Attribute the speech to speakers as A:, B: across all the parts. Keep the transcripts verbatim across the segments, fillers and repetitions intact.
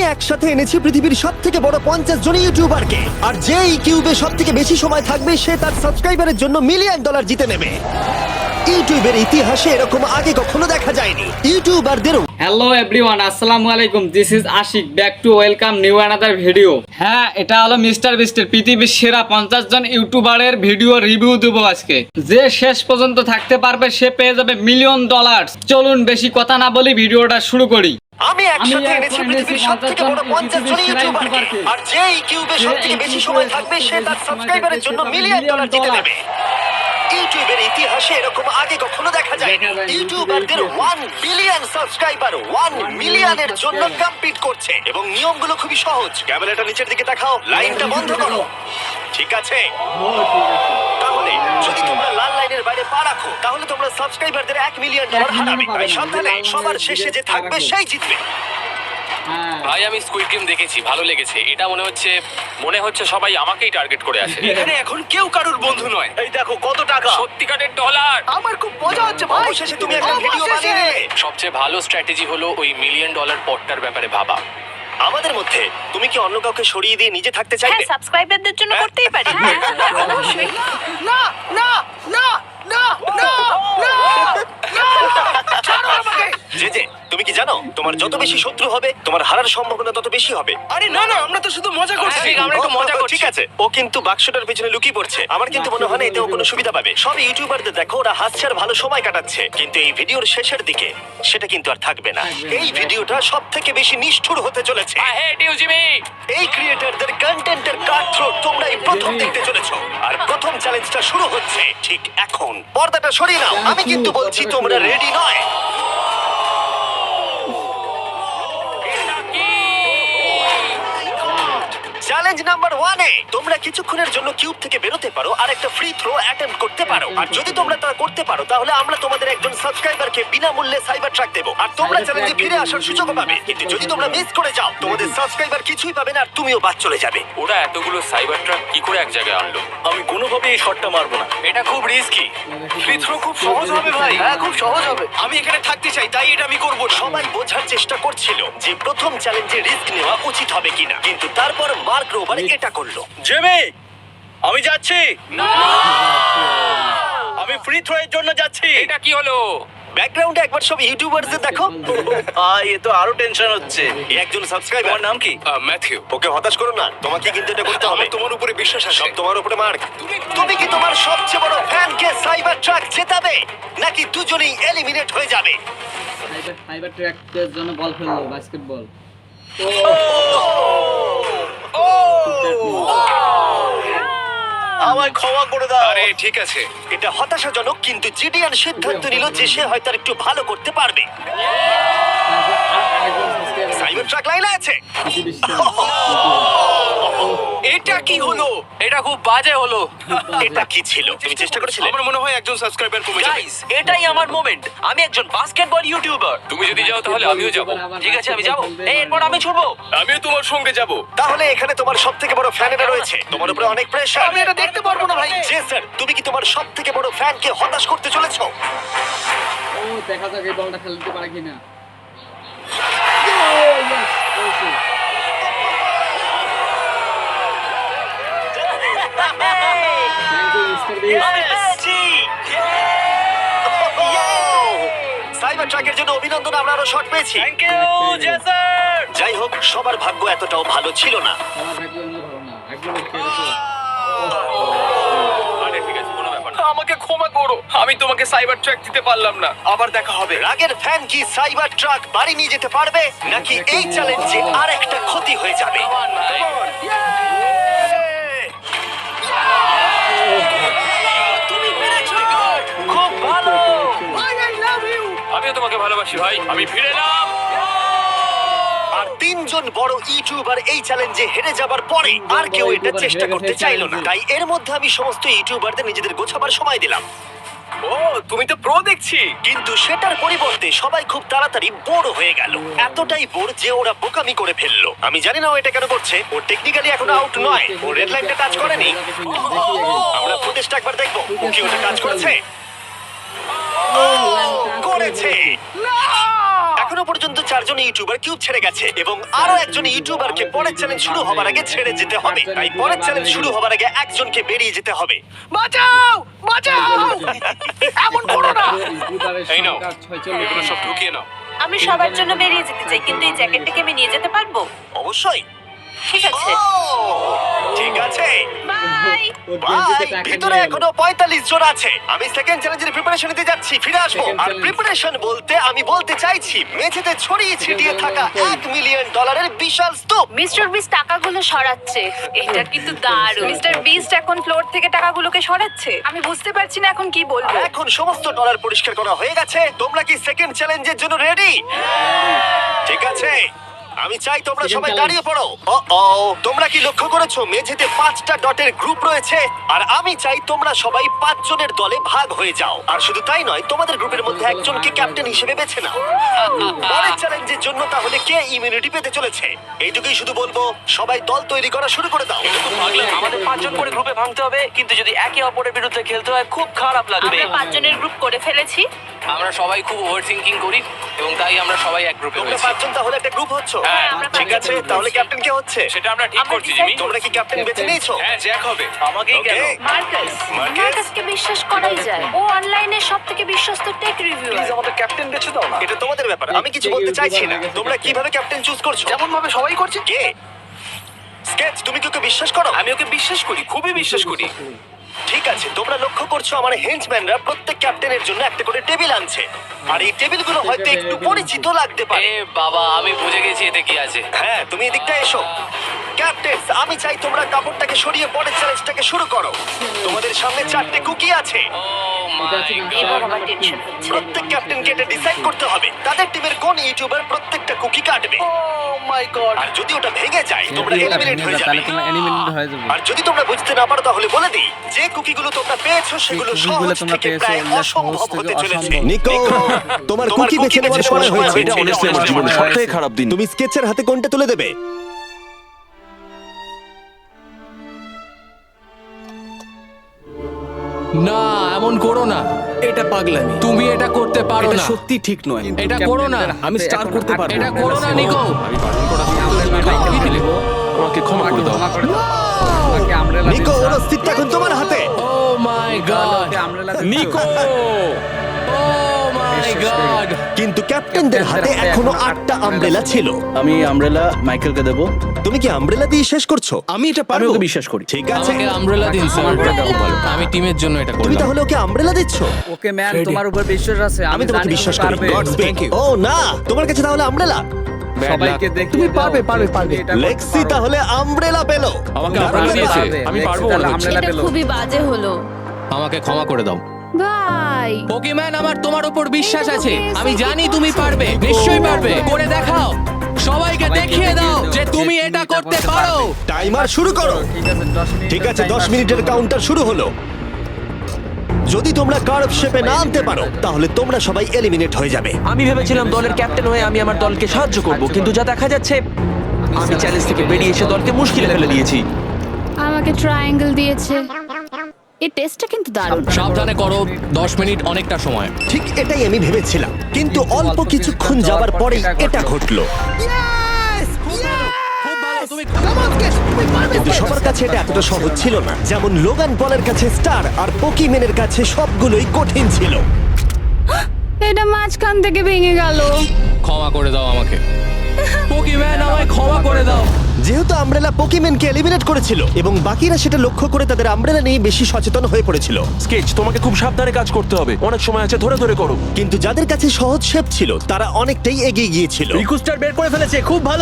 A: একসাথে এনেছি পৃথিবীর সব থেকে বড় পঞ্চাশ জন ইউটিউবারকে, আর যে এই কিউবে সব থেকে বেশি সময় থাকবে সে তার সাবস্ক্রাইবারের জন্য মিলিয়ন ডলার জিতে নেবে। ইউটিউবের ইতিহাসে এরকম আগে কখনো দেখা যায়নি। ইউটিউবারদের
B: হ্যালো এভরিওয়ান, আসসালামু আলাইকুম। This is Ashiq, back to welcome new another video. হ্যাঁ, এটা হলো মিস্টার বিস্টের পৃথিবীর সেরা পঞ্চাশ জন ইউটিউবারের ভিডিও রিভিউ দেবো আজকে। যে শেষ পর্যন্ত থাকতে পারবে সে পেয়ে যাবে মিলিয়ন ডলার। চলুন বেশি কথা না বলি ভিডিওটা শুরু করি।
A: আমি একসাথে এনেছি পৃথিবীর সবথেকে বড় পঞ্চাশ জন ইউটিউবারকে, আর যে এই কিউবে সবথেকে বেশি সময় থাকবে সে তার সাবস্ক্রাইবারের জন্য মিলিয়ন ডলার জিতে নেবে। ইউটিউবের ইতিহাসে এরকম আগে কখনো দেখা যায়নি। ইউটিউবারদের ওয়ান বিলিয়ন সাবস্ক্রাইবার ওয়ান মিলিয়নের জন্য কম্পিট করছে, এবং নিয়মগুলো খুবই সহজ। ক্যামেরাটা নিচের দিকে দেখাও, লাইনটা বন্ধ করো। ঠিক আছে, তাহলে যদি তোমরা লাল লাইনের বাইরে পা রাখো তাহলে তোমরা সাবস্ক্রাইবারদের এক মিলিয়ন ডলার হারাবে। তাই সাবধানে, সবার শেষে যে থাকবে সেই জিতবে।
C: ভাই আমি স্কুইড গেম দেখেছি, ভালো লেগেছে। এটা মনে হচ্ছে মনে হচ্ছে সবাই আমাকেই টার্গেট করে আসে।
D: এখানে এখন কেউ কারুর বন্ধু নয়।
A: এই দেখো কত টাকা,
C: সত্যিকারের ডলার।
D: আমার খুব মজা হচ্ছে ভাই।
A: অবশেষে তুমি একটা ভিডিও বানিয়ে নিলে।
C: সবচেয়ে ভালো স্ট্র্যাটেজি হলো ওই মিলিয়ন ডলার পটটার ব্যাপারে ভাবা।
A: আমাদের মধ্যে তুমি কি অন্য কাউকে সরিয়ে দিয়ে নিজে থাকতে চাইবে?
E: হ্যাঁ, সাবস্ক্রাইবারদের জন্য করতেই পারি। অবশ্যই।
D: না না না না না না না ছাড়ো আমাকে।
A: যে যে তুমি কি জানো তোমার যত বেশি শত্রু হবে তোমার হারার সম্ভাবনা তত বেশি হবে।
D: আরে না না, আমরা তো শুধু মজা করছি।
C: ঠিক, আমরা একটু মজা
A: ও,
C: করছি।
A: ঠিক আছে, ও কিন্তু বাক্সটার পেছনে লুকিয়ে পড়ছে। আমার কিন্তু মনে হয় না এতে ও কোনো সুবিধা পাবে। সব ইউটিউবারদের দেখো ওরা হাসছে আর ভালো সময় কাটাচ্ছে, কিন্তু এই ভিডিওর শেষের দিকে সেটা কিন্তু আর থাকবে না। এই ভিডিওটা সব থেকে বেশি নিষ্ঠুর হতে চলেছে।
C: I hate you Jimmy.
A: এই ক্রিয়েটরদের কন্টেন্টের কাটথ্রোট তোমরাই প্রথম দেখতে চলেছো, আর প্রথম চ্যালেঞ্জটা শুরু হচ্ছে ঠিক এখন। পর্দাটা সরিয়ে নাও, আমি কিন্তু বলছি তোমরা রেডি নয়। চ্যালেঞ্জ নাম্বার ওয়ানে তোমরা কিছুক্ষণের জন্য কিউব থেকে বেরোতে পারো আর একটা ফ্রি থ্রো অ্যাটেম্প্ট করতে পারো। আর যদি তোমরা তা করতে পারো তাহলে আমরা তোমাদের একজন সাবস্ক্রাইবারকে বিনামূল্যে সাইবার ট্রাক দেবো, আর তোমরা চ্যালেঞ্জে ফিরে আসার সুযোগ পাবে। কিন্তু যদি তোমরা মিস করে যাও তোমাদের সাবস্ক্রাইবার কিছুই পাবে না, আর তুমিও বাদ চলে যাবে।
C: ওরা এতগুলো সাইবার ট্রাক কি করে এক জায়গায় আনলো?
A: আমি কোনোভাবে এই শটটা মারবো না।
C: এটা খুব রিস্কি।
D: ফ্রি থ্রো খুব সহজ হবে ভাই। হ্যাঁ, খুব সহজ হবে। আমি এখানে থাকতে চাই, তাই এটা আমি করব।
A: সবাই বোঝার চেষ্টা করছিল যে প্রথম চ্যালেঞ্জে রিস্ক নেওয়া উচিত হবে কিনা, কিন্তু তারপর মার্ক রোবার এটা করলো।
D: জেমি, আমি যাচ্ছি। আমি ফ্রি থ্রো এর জন্য যাচ্ছি।
C: এটা কি হলো?
A: ব্যাকগ্রাউন্ডে একবার সব ইউটিউবারদের দেখো।
D: আই এ তো আরো টেনশন হচ্ছে।
A: এই একজন সাবস্ক্রাইবার।
D: তোমার নাম কি?
C: ম্যাথিউ।
A: ওকে হতাশ করো না, তোমাকে কিন্তু এটা করতে হবে।
D: আমার তোমার উপরে বিশ্বাস আছে।
A: সব তোমার উপরে মার্ক। তুমি কি তোমার সবচেয়ে বড় ফ্যানকে সাইবার ট্রাক জেতাবে, নাকি দুজনেই এলিমিনেট হয়ে যাবে?
B: সাইবার ট্র্যাকের জন্য বল ফেললো, বাস্কেটবল।
D: আমায় ক্ষমা করে দাও।
C: আরে ঠিক আছে।
A: এটা হতাশাজনক, কিন্তু জিডিয়ান সিদ্ধান্ত নিল যে সে হয়তো আর একটু ভালো করতে পারবে। সাইবার ট্রাক লাইনে আছে।
D: এটা কি হলো?
C: এটা খুব বাজে হলো।
A: এটা কি ছিল? তুমি চেষ্টা করেছিলে?
D: আমার মনে হয় একজন সাবস্ক্রাইবার কমে যাবে।
F: গাইস, এটাই আমার মোমেন্ট। আমি একজন বাস্কেটবল ইউটিউবার।
C: তুমি যদি যাও তাহলে আমিও যাব।
F: ঠিক আছে, আমি যাব। এই, এরপর আমি ছুটবো।
D: আমিও তোমার সঙ্গে যাব।
A: তাহলে এখানে তোমার সব থেকে বড় ফ্যানেরা রয়েছে, তোমার উপরে অনেক প্রেশার।
D: আমি এটা দেখতে পারবো না ভাই।
A: জেসার, তুমি কি তোমার সব থেকে বড় ফ্যানকে হতাশ করতে চলেছো?
B: ও দেখা যাক এই বলটা খেলতে পারে কিনা। Thank you Mister Beast.
A: Cyber ট্রাকের জন্য অভিনন্দন, আমরা আরো শট পেয়েছি।
D: Thank you Jesser.
A: যাই হোক, সবার ভাগ্য এতটাও ভালো ছিল না।
B: আমার ভাগ্য এমনি ভালো না, একদম একটা গেছে।
C: আরে ঠিক আছে, কোনো ব্যাপার না।
D: আমাকে ক্ষমা করো, আমি তোমাকে সাইবার ট্র্যাক দিতে পারলাম না। আবার দেখা হবে।
A: রাগের ফ্যান কি সাইবার ট্রাক বাড়ি নিয়ে যেতে পারবে, নাকি এই চ্যালেঞ্জে আর একটা ক্ষতি হয়ে যাবে?
D: তুমি পেরেছো। খুব ভালো। ভাই, আই লাভ ইউ।
C: আমিও তোমাকে ভালোবাসি ভাই। আমি ফিরে এলাম।
A: আর তিনজন বড় ইউটিউবার এই চ্যালেঞ্জে হেরে যাবার পরে আর কেউ এটা চেষ্টা করতে চাইলো না। তাই এর মধ্যে আমি সমস্ত ইউটিউবারদের নিজেদের গোছাবার সময় দিলাম।
D: ও, তুমি তো প্রো দেখছি।
A: কিন্তু সেটার পরিবর্তে সবাই খুব তাড়াতাড়ি বোর হয়ে গেল। এতটাই বোর যে ওরা বোকামি করে ফেললো। আমি জানি না ও এটা কেন করছে। ও টেকনিক্যালি এখনো আউট নয়, ও রেড লাইনটা টাচ করেনি। আমরা ফুটেজটা একবার দেখবো, ও কি ওটা টাচ করেছে? ও, করেছে। এখন এখনো পর্যন্ত চারজন ইউটিউবার কিউব ছেড়ে গেছে এবং আরো একজন ইউটিউবারকে পরের চ্যালেঞ্জ শুরু হবার আগে ছেড়ে যেতে হবে। তাই পরের চ্যালেঞ্জ শুরু হবার আগে একজনকে বেরিয়ে যেতে হবে।
D: বাঁচাও বাঁচাও এমন করো না।
C: এই নাও, এগুলো সব ঢুকিয়ে নাও।
E: আমি সবার জন্য বেরিয়ে যেতে চাই, কিন্তু এই জ্যাকেটটাকে আমি নিয়ে যেতে পারবো?
A: অবশ্যই।
E: ঠিক আছে,
A: ও, ঠিক আছে।
E: বাই।
A: ভাই, ভিতরে এখনো পঁয়তাল্লিশ জন আছে। আমি সেকেন্ড চ্যালেঞ্জের প্রিপারেশন নিতে যাচ্ছি, ফিরে আসবো।
B: Second
A: আর
B: challenge.
A: প্রিপারেশন বলতে আমি বলতে চাইছি মেঝেতে ছড়িয়ে ছিটিয়ে থাকা এক মিলিয়ন ডলারের বিশাল স্তূপ।
E: মিস্টার বিস্ট টাকাগুলো সরাচ্ছে। এটা কিন্তু দারুণ। মিস্টার বিস্ট এখন ফ্লোর থেকে টাকাগুলোকে সরাচ্ছে। আমি বুঝতে পারছি না এখন কি বলবো।
A: এখন সমস্ত ডলার পরিষ্কার করা হয়ে গেছে। তোমরা কি সেকেন্ড চ্যালেঞ্জের জন্য রেডি? ঠিক আছে, আমি চাই তোমরা
B: Second
A: সবাই
B: challenge.
A: দাঁড়িয়ে পড়ো। ও তোমরা কি লক্ষ্য করেছো মেঝেতে পাঁচটা ডটের গ্রুপ রয়েছে? আর আমি চাই তোমরা সবাই পাঁচ জনের দলে ভাগ হয়ে যাও। আর শুধু তাই নয়, তোমাদের গ্রুপের মধ্যে একজনকে ক্যাপ্টেন হিসেবে বেছে নাও। পরের চ্যালেঞ্জের জন্য তাহলে কে ইমিউনিটি পেতে চলেছে? এইটুকুই শুধু বলবো, সবাই দল তৈরি করা শুরু করে দাও।
F: আমাদের পাঁচজন করে গ্রুপে ভাঙতে হবে, কিন্তু যদি একে অপরের বিরুদ্ধে খেলতে হয় খুব খারাপ লাগবে।
E: আমরা পাঁচজনের গ্রুপ করে ফেলেছি।
C: আমরা সবাই খুব ওভার থিঙ্কিং করি এবং তাই আমরা সবাই এক গ্রুপে
A: তোমরা
C: রয়েছি।
A: পাঁচজন তাহলে একটা গ্রুপ হচ্ছ?
C: হ্যাঁ,
E: আমরা
A: ঠিক আছে,
E: পাঁচজন
A: তাহলে
E: রয়েছি।
A: ক্যাপ্টেন কে হচ্ছে?
C: সেটা আমরা ঠিক
E: আমরা
C: করছি
E: decide
C: জিমি।
A: তোমরা কি ক্যাপ্টেন বেছে নিয়েছো?
C: হ্যাঁ, জ্যাক হবে।
F: আমাকেই কেন?
A: Okay.
E: মার্কাস।
A: মার্কাস?
E: মার্কাসকে বিশ্বাস করাই যায়। ও অনলাইনে সবথেকে বিশ্বস্ত টেক রিভিউয়ার।
F: আমাদের ক্যাপ্টেন বেছে দাও না।
A: এটা তোমাদের ব্যাপার, আমি কিছু বলতে চাইছি না। তোমরা কিভাবে ক্যাপ্টেন চুজ করছো?
D: যেমন ভাবে সবাই করছে।
A: কে? স্কেচ, তুমি কি ওকে বিশ্বাস করো?
C: আমি ওকে বিশ্বাস করি, খুবই বিশ্বাস করি।
A: ঠিক আছে, তোমরা লক্ষ্য করছো আমার হেঞ্চম্যানরা প্রত্যেক ক্যাপ্টেনের জন্য একটা করে টেবিল আনছে। আর এই টেবিলগুলো হয়তো একটু পরিচিত লাগতে
C: এ
A: পারে।
C: বাবা, আমি বুঝে গেছি এতে কি আছে।
A: হ্যাঁ, তুমি এদিকটা এসো। ক্যাপ্টেন, আমি চাই তোমরা কাপড়টাকে সরিয়ে পরের চ্যালেঞ্জটাকে শুরু করো। তোমাদের সামনে চারটে কুকি আছে।
C: ও মাই
E: এবার
C: গড।
E: আমার টেনশন হচ্ছে।
A: প্রত্যেক ক্যাপ্টেনকে এটা ডিসাইড করতে হবে তাদের টিমের কোন ইউটিউবার প্রত্যেকটা কুকি কাটবে।
D: ও মাই গড।
A: আর যদি ওটা ভেঙে যায় তোমরা এলিমিনেট হয়ে যাবে।
B: তাহলে তোমরা এলিমিনেট হয়ে যাবে।
A: আর যদি তোমরা বুঝতে না পারো তাহলে বলে দিই, যে কুকিগুলো তোমরা পেয়েছো সেগুলো
B: কুকিগুলো
A: সহজ
B: তোমরা
A: থেকে
B: পেয়েছো,
A: প্রায়
B: এগুলো
A: অসম্ভব
B: সহজ থেকে
A: হতে চলেছে।
B: অসম্ভব।
G: নিকো, তোমার কুকি বেছে নেওয়ার সময় হয়েছে।
A: এটা
G: honestly আমার জীবনের সবথেকে খারাপ দিন। তুমি স্কেচের হাতে কোনটা তুলে দেবে?
H: না, এমন করো না।
I: এটা পাগলামি।
H: তুমি এটা করতে পারো
I: এটা
H: না।
I: সত্যি ঠিক নয়।
H: এটা করো না।
I: আমি স্টার করতে পারবো।
H: এটা করো না, নিকো।
G: আমাকে ক্ষমা করে দাও।
B: ক্ষমা করে দাও। ওকে আমব্রেলা
A: নিকো, ওর অস্তিত্ব এখন তোমার হাতে।
H: Oh my god,
B: umbrella
H: Nico. Oh my god.
A: কিন্তু ক্যাপ্টেনদের হাতে এখনো আটটা আমব্রেলা ছিল।
I: আমি আমব্রেলা মাইকেলকে দেব।
A: তুমি কি আমব্রেলা দিয়ে শেষ করছো?
I: আমি এটা পারবো। আমি ওকে বিশ্বাস করি।
A: ঠিক আছে,
H: আমাকে আমব্রেলা দিন স্যার। আমি টিমের জন্য এটা
A: তুমি
H: করলাম।
A: তাহলে ওকে আমব্রেলা দিচ্ছ?
B: ওকে ম্যান, তোমার উপর বিশ্বাস আছে।
A: আমি তোমাকে
B: জানি
A: বিশ্বাস
B: তুমি
A: করি।
B: পারবে।
A: God speak. ও না, তোমার কাছে তাহলে আমব্রেলা?
B: সবাইকে দেখে
I: তুমি পারবে, পারবে, পারবে।
A: লেক্সি তাহলে আমব্রেলা পেলো।
G: আমাকে
A: দারুণ
G: আমব্রেলা
A: ব্যাপার।
G: দিয়েছে। আমি পারবো
B: তাহলে
G: মনে হচ্ছে।
B: আমব্রেলা
E: এটা
B: পেলো।
E: খুবই বাজে হলো।
H: আমাকে ক্ষমা করে দাও।
E: ভাই,
H: পোকিম্যান, আমার তোমার উপর বিশ্বাস আছে। আমি জানি তুমি পারবে, নিশ্চয়ই পারবে। করে দেখাও। সবাইকে দেখিয়ে দাও যে তুমি এটা করতে পারো।
A: টাইমার শুরু করো।
B: ঠিক আছে, দশ মিনিট।
A: ঠিক আছে, দশ মিনিটের কাউন্টার শুরু হলো। যদি তোমরা কার্ভ শেপে না আনতে পারো তাহলে তোমরা সবাই এলিমিনেট হয়ে যাবে।
F: আমি ভেবেছিলাম দলের ক্যাপ্টেন হয়ে আমি আমার দলকে সাহায্য করব, কিন্তু যা দেখা যাচ্ছে আমি চ্যালেঞ্জ থেকে বেরিয়ে এসে দলকে মুশকিলে ফেলে দিয়েছি।
J: আমাকে ট্রায়াঙ্গেল দিয়েছে। এই টেস্টটা কিন্তু দারুণ।
H: সাবধানে করো, দশ মিনিট অনেকটা সময়।
A: ঠিক এটাই আমি ভেবেছিলাম, কিন্তু অল্প কিছুক্ষণ যাবার পরেই এটা ঘটলো। কিন্তু সবার কাছে এটা এতটা সহজ ছিল না। যেমন লোগান পলের কাছে স্টার আর পোকিমেনের কাছে সবগুলোই কঠিন ছিল।
J: এটা মাঝখান থেকে ভেঙে গেল।
H: ক্ষমা করে দাও আমাকে। পোকিম্যান, আমায় ক্ষমা করে দাও।
A: যেহেতু আমব্রেলা পোকিমেনকে এলিমিনেট করেছিল এবং বাকিরা সেটা লক্ষ্য করে তাদের আমব্রেলা নিয়ে বেশি সচেতন হয়ে পড়েছিল।
G: স্কেচ, তোমাকে খুব সাবধানে কাজ করতে হবে। অনেক সময় আছে, ধরে ধরে করো।
A: কিন্তু যাদের কাছে সহজ শেপ ছিল তারা অনেকটাই এগিয়ে গিয়েছিল।
I: রিকুস্টার বের করে ফেলেছে। খুব ভালো।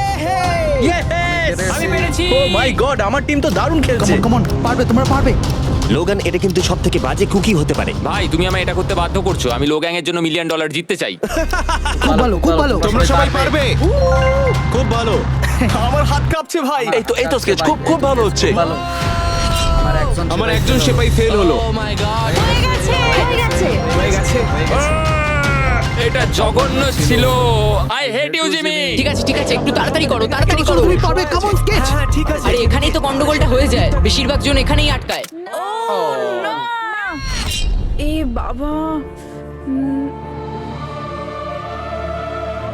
H: আমি পেরেছি।
I: ও মাই গড, আমার টিম তো দারুণ খেলছে। কাম অন, পারবে, তোমরা পারবে।
A: লোগান, এটা কিন্তু সব থেকে বাজে কুকি হতে পারে।
C: ভাই, তুমি আমায় এটা করতে বাধ্য করছো। আমি লো গ্যাং এর জন্য মিলিয়ন ডলার জিততে চাই।
I: খুব ভালো, খুব ভালো।
G: তোমরা সবাই পারবে।
A: খুব ভালো।
I: আমার হাত কাঁপছে ভাই।
G: এই তো এই তো স্কেচ, খুব খুব ভালো হচ্ছে।
B: ভালো। আমার একজন
G: আমার একজন সেপাই ফেল হলো।
H: ও মাই গড,
J: হয়ে গেছে, হয়ে গেছে।
I: হয়ে গেছে।
H: এটা জঘন্য ছিল। I hate you Jimmy.
K: ঠিক আছে ঠিক আছে, একটু তাড়াতাড়ি করো, তাড়াতাড়ি করো।
I: তুমি পারবে। Come on Sketch.
A: হ্যাঁ, ঠিক আছে।
K: আরে এখানেই তো গন্ডগোলটা হয়ে যায়, বেশিরভাগ জন এখানেই আটকায়।
E: এ বাবা।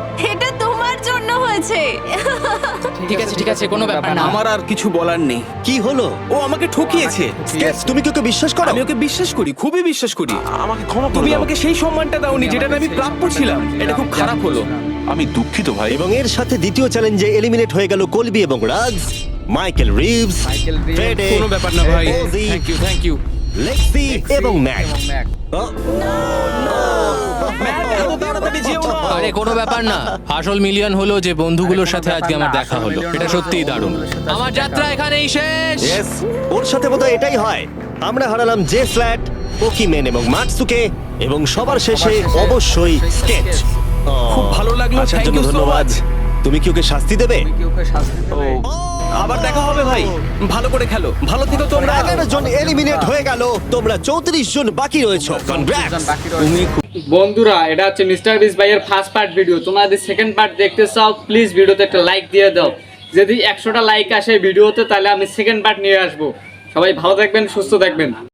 J: আমার জন্য হয়েছে।
K: ঠিক আছে ঠিক আছে কোনো ব্যাপার না।
H: আমার আর কিছু বলার নেই।
I: কি হলো?
H: ও আমাকে ঠকিয়েছে।
I: স্কেচ, তুমি কি ওকে বিশ্বাস করো?
H: আমি ওকে বিশ্বাস করি, খুবই বিশ্বাস করি।
G: আমাকে ক্ষমা করে
H: তুমি
G: দাও।
H: আমাকে সেই সম্মানটা দাওনি যেটা আমি প্রাপ্য ছিলাম। এটা খুব খারাপ হলো।
G: আমি দুঃখিত ভাই।
I: এবং এর সাথে দ্বিতীয় চ্যালেঞ্জে এলিমিনেট হয়ে গেল কলবি এবং Raj, Michael Reeves,
B: Michael Reeves,
I: ফ্রেডে,
H: কোনো ব্যাপার না ভাই।
I: OG,
H: thank you thank you.
I: Lexi এবং ম্যাক।
B: এবং ম্যাক।
H: আরে কোনো ব্যাপার না। আসল মিলিয়ন হলো যে বন্ধুগুলোর সাথে আজকে আমার দেখা হলো। এটা সত্যিই দারুণ। আমার যাত্রা এখানেই শেষ।
I: ইয়েস, ওর সাথে বোধহয় এটাই হয়। আমরা হারালাম জে ফ্ল্যাট, পোকিমেন এবং মাটসুকে, এবং সবার শেষে অবশ্যই স্কেচ।
H: খুব ভালো লাগলো,
I: আসার
H: thank
I: জন্য
H: you so
I: ধন্যবাদ। তুমি কি ওকে শাস্তি দেবে?
B: তুমি কি ওকে শাস্তি দেবে?
H: আবার দেখা হবে ভাই। ভালো করে খেলো, ভালো থেকো তোমরা।
I: এগারো জন এলিমিনেট হয়ে গেল, তোমরা চৌত্রিশ জন বাকি রয়েছো। কনগ্রাটস।
B: তুমি বন্ধুরা, এটা হচ্ছে মিস্টার বিস ভাইয়ের ফার্স্ট পার্ট ভিডিও। তোমরা যদি সেকেন্ড পার্ট দেখতে চাও প্লিজ ভিডিওতে একটা লাইক দিয়ে দাও। যদি একশোটা লাইক আসে ভিডিওতে তাহলে আমি সেকেন্ড পার্ট নিয়ে আসবো। সবাই ভালো থাকবেন, সুস্থ থাকবেন।